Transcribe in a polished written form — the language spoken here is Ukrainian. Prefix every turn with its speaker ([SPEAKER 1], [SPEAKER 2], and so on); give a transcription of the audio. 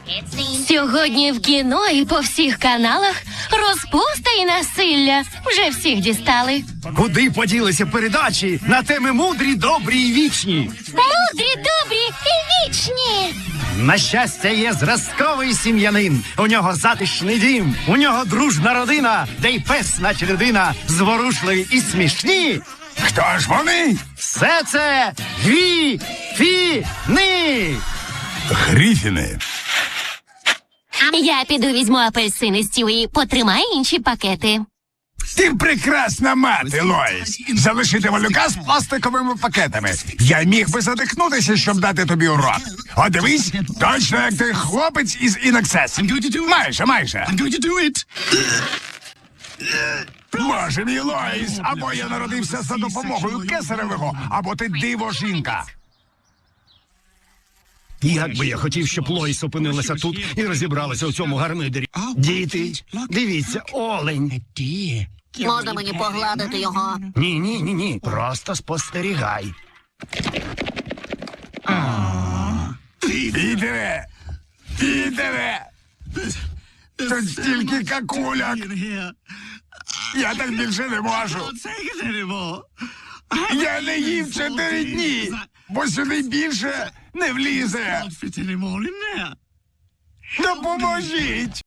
[SPEAKER 1] Сьогодні в кіно і по всіх каналах розпуста і насилля. Вже всіх дістали.
[SPEAKER 2] Куди поділися передачі на теми мудрі, добрі і вічні?
[SPEAKER 1] Мудрі, добрі і вічні.
[SPEAKER 2] На щастя, є зразковий сім'янин. У нього затишний дім, у нього дружна родина, де й пес, наче людина, зворушливі і смішні.
[SPEAKER 3] Хто ж вони?
[SPEAKER 2] Все це Гріфіни!
[SPEAKER 3] Гріфіни.
[SPEAKER 1] Я піду візьму апельсини, Стю, і потримай інші пакети.
[SPEAKER 3] Ти прекрасна мати, Лоїс. Залишити малюка з пластиковими пакетами. Я міг би задихнутися, щоб дати тобі урок. О, дивись, точно як ти хлопець із Інаксес. Майже. Боже мій, Лоїс, або я народився за допомогою кесаревого, або ти диво-жінка.
[SPEAKER 2] Як би я хотів, щоб Лоїс опинилася тут і розібралася у цьому гармидері. Діти, дивіться, олень.
[SPEAKER 4] Можна мені погладити його?
[SPEAKER 2] Ні, просто спостерігай.
[SPEAKER 3] Піде! Тут стільки какуляк. Я так більше не можу. Я не їв 4 дні, бо сюди більше не влізе. Допоможіть!